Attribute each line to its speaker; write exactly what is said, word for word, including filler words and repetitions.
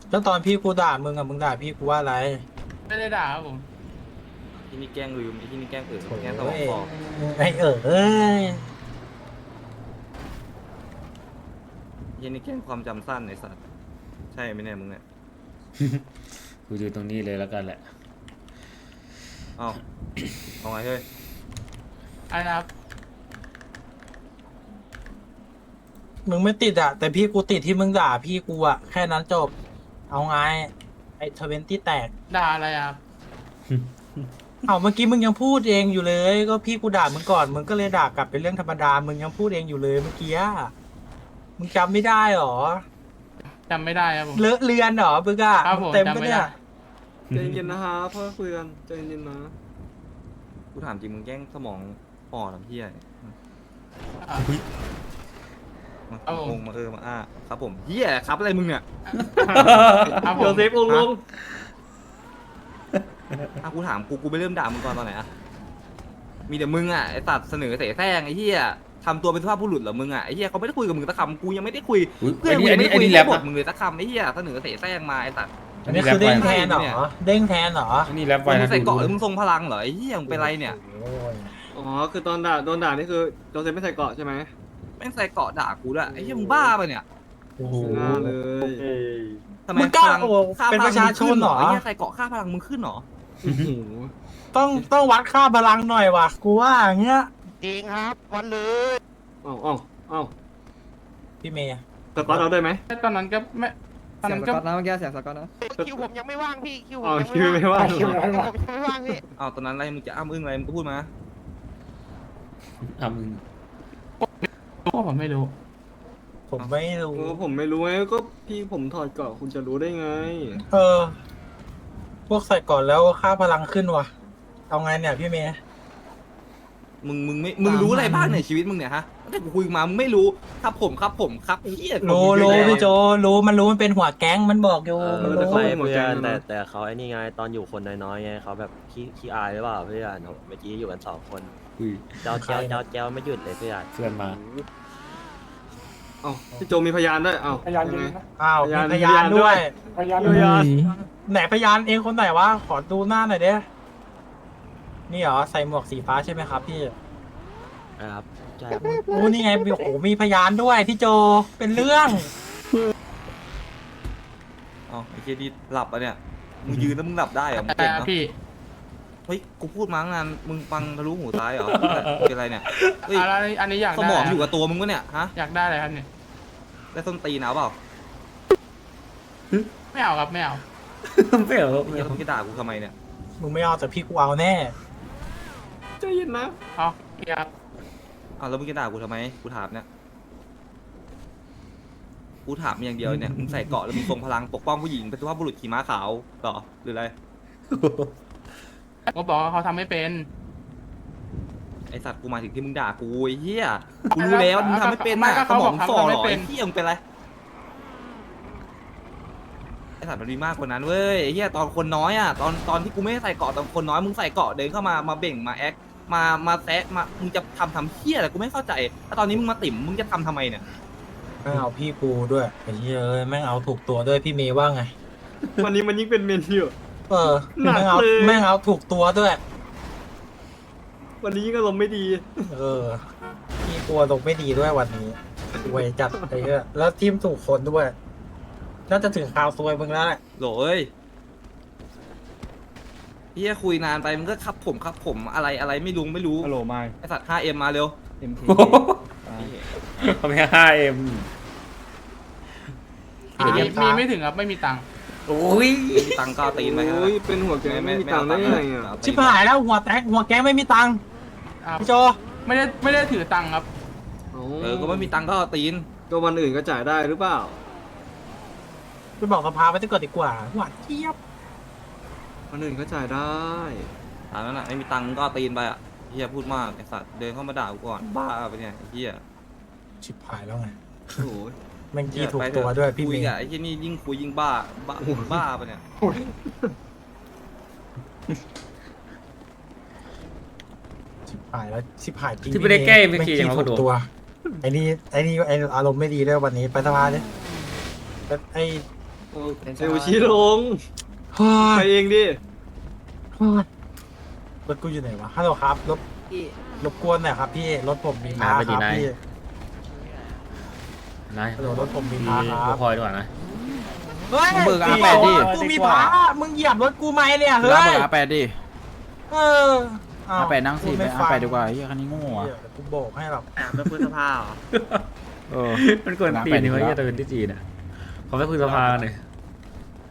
Speaker 1: แล้วตอนพี่กูด่ามึงอะมึงด่าพี่กูว่าอะไร
Speaker 2: ไม่ได้ด่าครับผม
Speaker 3: ที่นี่แกล้งลืมไอ้ที่นี่แกล้งเออ
Speaker 1: โอ้
Speaker 3: แกล้งสมอง
Speaker 1: ย
Speaker 3: ฝ่อ
Speaker 1: ไอเออเอ้ย
Speaker 3: ไอ้ที่นี่แกล้งความจำสั้นไอ้สัตว์ใช่ไหมเนี่ยมึงเนี่ย
Speaker 4: กูดูตรงนี้เลยแล้วกันแหละ
Speaker 3: เอ้าเอาไงเฮ้ย
Speaker 2: อันนะครับ
Speaker 1: มึงไม่ติดอะแต่พี่กูติดที่มึงด่าพี่กูอะแค่นั้นจบเอาไงไอทเวนตี้แตก
Speaker 2: ด่าอะไรอะครับ
Speaker 1: เอาเมื่อกี้มึงยังพูดเองอยู่เลย ก็พี่กูด่ามึงก่อนมึงก็เลยด่ากลับเป็นเรื่องธรรมดามึงยังพูดเองอยู่เลยเมื่อกี้อะมึงจำไม่ได้หรอ
Speaker 2: จำไม่ได้ครับผม
Speaker 1: เลอะเลือนหรอมึงอะ
Speaker 2: ครับ
Speaker 1: มึ
Speaker 2: ผ
Speaker 1: ง
Speaker 2: ม
Speaker 1: เต็ม
Speaker 2: จำ
Speaker 1: ปะ
Speaker 2: ไม่
Speaker 1: เนี่
Speaker 2: ได้
Speaker 1: ย
Speaker 5: ใจเย็นๆนะฮะพ่อคุยกันใจเย็นๆนะ
Speaker 3: กูถามจริงมึงแกล้งสมองฝ่อทำเพี้ย
Speaker 2: อ่ะ
Speaker 3: มา
Speaker 2: ครับผม
Speaker 3: งงมาเออมาอ้าครับผมเฮียครับอะไรมึงเนี่ย
Speaker 2: ครับผ
Speaker 5: โย
Speaker 2: ม
Speaker 5: เซฟลงลง
Speaker 3: อ่ะกูถามกูกูไปเริ่มด่ามึงก่อนตอนไหนอะมีแต่มึงอะไอ้ตัดเสนอเสแสร้งไอ้เหี้ยทำตัวเป็นสุภาพบุรุษเหรอมึงอะไอ้เหี้ยเขาไม่ได้คุยกับมึงสักคำกูยังไม่ได้คุย
Speaker 4: อุ๊ย
Speaker 3: เพื่อนกู
Speaker 4: อั
Speaker 3: ยั
Speaker 4: น
Speaker 3: ง
Speaker 4: นี้
Speaker 3: ไม่ได้คุย
Speaker 4: อันนี้แรป
Speaker 3: บ
Speaker 4: อะ
Speaker 3: ทมึงเลยสักคำไอ้เหี้ยเสนอเสแสร้งมาไอ้ตัด
Speaker 1: อันนี้คือเด้งแทนเหร
Speaker 3: เนี่ย
Speaker 1: อเด้งแทนเหรอ
Speaker 4: อันนี้แรปไว้
Speaker 3: มึ
Speaker 4: นะ
Speaker 3: งใส่เกาะ
Speaker 4: ดู
Speaker 3: หรือมึงทรงพลังเหรอไอ้เหี้ยมึงเป็นไรเนี่ย
Speaker 1: โอ้ย
Speaker 5: อ๋อคือตอนด่าโดนด่านี่คือโยเซฟไม่ใส่เกราะใช่ไหม
Speaker 3: แม่งใส่เกาะด่ากูด้วยไอ้เหี้ยมึงบ้าปะเนี่ย
Speaker 1: โอ้โห
Speaker 5: หน้าเลย
Speaker 3: ทำไม
Speaker 1: มึงกล้า
Speaker 3: พลัง
Speaker 1: โอ้
Speaker 3: ค่า
Speaker 1: เป็น
Speaker 3: พ
Speaker 1: ป
Speaker 3: ลัง
Speaker 1: ระชาชนเหรอ
Speaker 3: มึงขึ้ไอ้เหี้ยใส่เกาะค่าพลังมึงขึ้นเหรอ
Speaker 5: โอ้โห
Speaker 1: ต้องต้องวัดค่าพลังหน่อยว่ะกูว่าอย่างเงี้ย
Speaker 6: จริงครับวันเลย
Speaker 5: เอ้าเอ้าเอ้า
Speaker 1: พี่เมย์
Speaker 5: สก๊อตเอาได้ไหม
Speaker 2: ตอนนั้นก็ไม่ตอน
Speaker 7: เสีย
Speaker 2: นั้
Speaker 7: ง
Speaker 2: น
Speaker 7: ส
Speaker 2: ก็
Speaker 7: กอตนะเมื่อกี้เสียงสกอตนะ
Speaker 6: คิวผมยังไม่ว่างพี่คิวผ
Speaker 5: อ๋อ
Speaker 6: ม
Speaker 5: คิวไม่ว่าง
Speaker 6: คิวผมยังไม่ว่างพี่
Speaker 3: อ้าวตอนนั้นอะไรมึงจะอ้ำอึ้งอะไรมึงก็พูดมา
Speaker 4: อ่ะมึง
Speaker 2: ก็ผมไม่รู้
Speaker 1: ผมไม่รู้
Speaker 5: โอ้ผมไม่รู้ไงก็พี่ผมถอดเกราะคุณจะรู้ได้ไง
Speaker 1: เออ พวกใส่ก่อนแล้วค่าพลังขึ้นว่ะ เอาไงเนี่ยพี่เมย์
Speaker 3: มึงมึงไม่มึงรู้อะไรบ้างในชีวิตมึงเนี่ยฮะตั้งแต่กูคุยมามึงไม่รู้ครับผมครับผมครับไอ้เหี้ย
Speaker 1: รู้
Speaker 3: ผม
Speaker 1: รู้
Speaker 3: เยอะ
Speaker 1: พี่
Speaker 3: แยะ
Speaker 1: โจรู้มันรู้มันเป็นหัวแก๊งมันบอกอยู่
Speaker 5: เออ
Speaker 1: มัน
Speaker 5: แต่
Speaker 1: รู้
Speaker 5: เขา
Speaker 8: ไม่
Speaker 5: เป็นหมด
Speaker 8: เพื่
Speaker 5: แก๊
Speaker 8: อง น
Speaker 5: นะ
Speaker 8: แต่แต่เขาไอ้นี่ไงตอนอยู่คนน้อยๆไงเขาแบบขี้ขี้อายหรือเปล่าเพื่อนเมื่อกี้อยู่กันสองคน
Speaker 4: อุ้ย
Speaker 8: เจ้าเจ้าเจ้าเจ้าไม่หยุดเลยเพื่อน
Speaker 4: เพื่อนมา
Speaker 5: เอ้าพี่โจมีพยานด้วยเอ้า
Speaker 7: พยาน
Speaker 5: ยังไง
Speaker 1: อ้าว
Speaker 5: พยาน
Speaker 1: มีพยานด้วย
Speaker 7: พยาน
Speaker 5: พยาน
Speaker 1: ไหนพยานเองคนไหนวะขอดูหน้าหน่อยเด้นี่เหรอใส่หมวกสีฟ้าใช่ไหมครับพี่
Speaker 8: นะครับใช่ครับ
Speaker 1: โอ้นี่ไงโอ้โหมีพยานด้วยพี่โจเป็นเรื่อง
Speaker 3: อ๋อไอ้เหี้ยนี่หลับอ่ะเนี่ยมึงยืนแล้วมึงหลับได้เหรอมึง
Speaker 2: แต่
Speaker 3: เก่งเนาะ
Speaker 2: พี่
Speaker 3: เฮ้ยกูพูดมาตั้งนานมึงฟังทะลุหูซ้ายเหรอเป็นไรเนี่ยเฮ้ย
Speaker 2: อะไรอันนี้อยาก
Speaker 3: ส
Speaker 2: ได้
Speaker 3: มองอยู่กับตัวมึงวะเนี่ยฮะ
Speaker 2: อยากได้อะไรครับเนี่ย
Speaker 3: ได้ส้นตีนเอาเปล่า
Speaker 2: ไม่เอาครับไม่เอา
Speaker 4: ไม่เหรอ
Speaker 3: ไอ้เหี้ยต้องจะด่ากูทำไมเนี่ย
Speaker 1: มึงไม่เอาแต่พี่กูเอาแน่
Speaker 5: ใจเย็นนะ
Speaker 2: เอาพี่ครับ
Speaker 3: อ้าวแล้วมึงจะด่ากูทำไมกูถามเนี่ยกูถามอย่างเดียวเนี่ยมึงใส่เกราะแล้วมึงทรงพลังปกป้องผู้หญิงเป็นสุภาพบุรุษขี่ม้าขาวเหรอหรืออะไร
Speaker 2: ผมก็บอกว่าเขาทำไม่เป็น
Speaker 3: ไอสัตว์กูหมายถึงที่มึงด่ากูไอ้เหี้ยกูรู้แล้วมึงทำไม่เป็น
Speaker 2: ไม่
Speaker 3: น่ะ
Speaker 2: ก็
Speaker 3: ส
Speaker 2: เขา
Speaker 3: ม
Speaker 2: บ
Speaker 3: อ
Speaker 2: อก
Speaker 3: ง
Speaker 2: เขา
Speaker 3: ฝ่อ
Speaker 2: ทำ
Speaker 3: เหร
Speaker 2: ไม่
Speaker 3: อ
Speaker 2: เป็
Speaker 3: ไอ้
Speaker 2: น
Speaker 3: เหี้ยมึงเป็นไรไอสัตว์มันมีมากกว่านั้นเว้ยไอ้เหี้ยตอนคนน้อยอ่ะตอนตอนที่กูไม่ได้ใส่เกราะตอนคนน้อยมึงใส่เกราะเดินเข้ามามาเบ่งมาแอคมามาแซะมามึงจะทำทำเหี้ยอะไรกูไม่เข้าใจแล้วตอนนี้มึงมาติ่มมึงจะทำทำไมเนี่ย
Speaker 1: แม่งเอาพี่กูด้วยไอ้เหี้ยเอ้ยแม่งเอาถูกตัวด้วยพี่เมย์ว่าไง
Speaker 5: วันนี้มันยิ่งเป็นเมนอยู่
Speaker 1: เออ
Speaker 5: หนัก
Speaker 1: แม่งเอา
Speaker 5: เลย
Speaker 1: แม่งเอาถูกตัวด้วย
Speaker 5: วันนี้ยิ่งอารมณ์ไม่ดี
Speaker 1: เออพี่กลัวตกไม่ดีด้วยวันนี้รวยจัดไอ้เหี้ยแล้วทีมถูกคนด้วยน่าจะถึงข่าวซวยมึงแล้วแหละ
Speaker 3: โหลเอ้ยเหี้ยคุยนานไปมึงก็ครับผมครับผมอะไรอะไรไม่รู้ไม่รู้
Speaker 7: ฮัลโหลไมค์
Speaker 3: ไอสัตว์ ห้าเอ็ม มาเร็ว
Speaker 7: เอ็มที
Speaker 4: เขาไม่ห้าเอ็ม
Speaker 2: มีมีไม่ถึงครับไม่มีตังค์
Speaker 4: โอ้ย
Speaker 3: ไม่มีตังค์ก็เอาตีนไปแค่นั้น
Speaker 5: โอ้ย
Speaker 3: แหละ
Speaker 5: เป็นหัวแก๊งไม่มีตังค์ได้
Speaker 3: ม่
Speaker 5: ไง
Speaker 3: เอา
Speaker 5: อ่ะ
Speaker 3: ตัค์
Speaker 1: ชิบหายแล้วหัวแตกหัวแก๊งไม่มีตังค์
Speaker 2: ครับ
Speaker 1: พี่โจ
Speaker 2: ไม่ได้ไม่ได้ถือตังค์ครับ
Speaker 3: เออก็ไม่มีตังค์ก็เอาตีน
Speaker 5: ก็วันอื่นก็จ่ายได้หรือเปล่า
Speaker 1: ไปบอกสภาไปจะเกิดดีกว่าหวานเจี๊ยบ
Speaker 5: วันอื่นก็จ่ายได้
Speaker 3: ถามนั้นน่ะไม่มีตังค์ก็เอาตีนไปอ่ะเฮียพูดมากไอสัตว์เดินเข้ามาด่ากูก่อนบ้าไปเนี่ยไอ้เฮีย
Speaker 1: ชิบหายแล้วไง
Speaker 5: โอ้โห
Speaker 1: แม่งกี้ถูกตัวด้วยพี่
Speaker 3: คุ
Speaker 1: เม
Speaker 3: ย
Speaker 1: ย์
Speaker 3: กับไอ้เฮียนี่ยิ่งคุยยิ่งบ้าบ้าบ้าไปะเนี่ย
Speaker 1: ชิบหายแล้วชิบหายจริง
Speaker 4: ที่ไม่ได้แก้เอ็ม
Speaker 1: แม่ง
Speaker 4: เค
Speaker 1: กี้
Speaker 4: ยังมา
Speaker 1: ถู
Speaker 4: กระโด
Speaker 1: ก
Speaker 4: ด
Speaker 1: ตัวไอ้นี่ไอ้นี่ไอ้อารมณ์ไม่ดีด้วยวันนี้ไปสภาเนี่ยไอ้
Speaker 5: เซลชี้ลง
Speaker 1: เฮ้
Speaker 5: ไป
Speaker 1: ย
Speaker 5: เองดิ
Speaker 1: รถกูอยู่ไหนวะฮัลโหลครับรบรบกวนหน่อยครับพี่รถผมมีพาครับพี่
Speaker 4: นาย
Speaker 1: ฮัลโหลรถผมมี
Speaker 4: มี
Speaker 1: พาครับ
Speaker 4: พลอยดีกว่านะ
Speaker 1: เฮ้ย
Speaker 7: มึงเบิกอาแปดดิ
Speaker 1: กูมีพามึงเหยียบรถกูไหมเนี่ยเฮ้
Speaker 7: รับ
Speaker 1: ย
Speaker 7: เบอร์อาแปดดิ
Speaker 1: เอออ้าว
Speaker 7: อาแปดนั่งสี่ไป
Speaker 1: ม่
Speaker 7: อา
Speaker 1: ฟั
Speaker 7: แปดดีกว่าไอ้เหี้ยคันนี้โง่
Speaker 1: เดี๋
Speaker 7: อะ
Speaker 1: ยวกูโบกให้หรอก
Speaker 3: เป็นพฤษภาเหรอ
Speaker 7: เออ
Speaker 4: มันกวนตีนนี่ว่าจะเป็นที่จีนอ่ะขอไปคุยสภากันหน่อย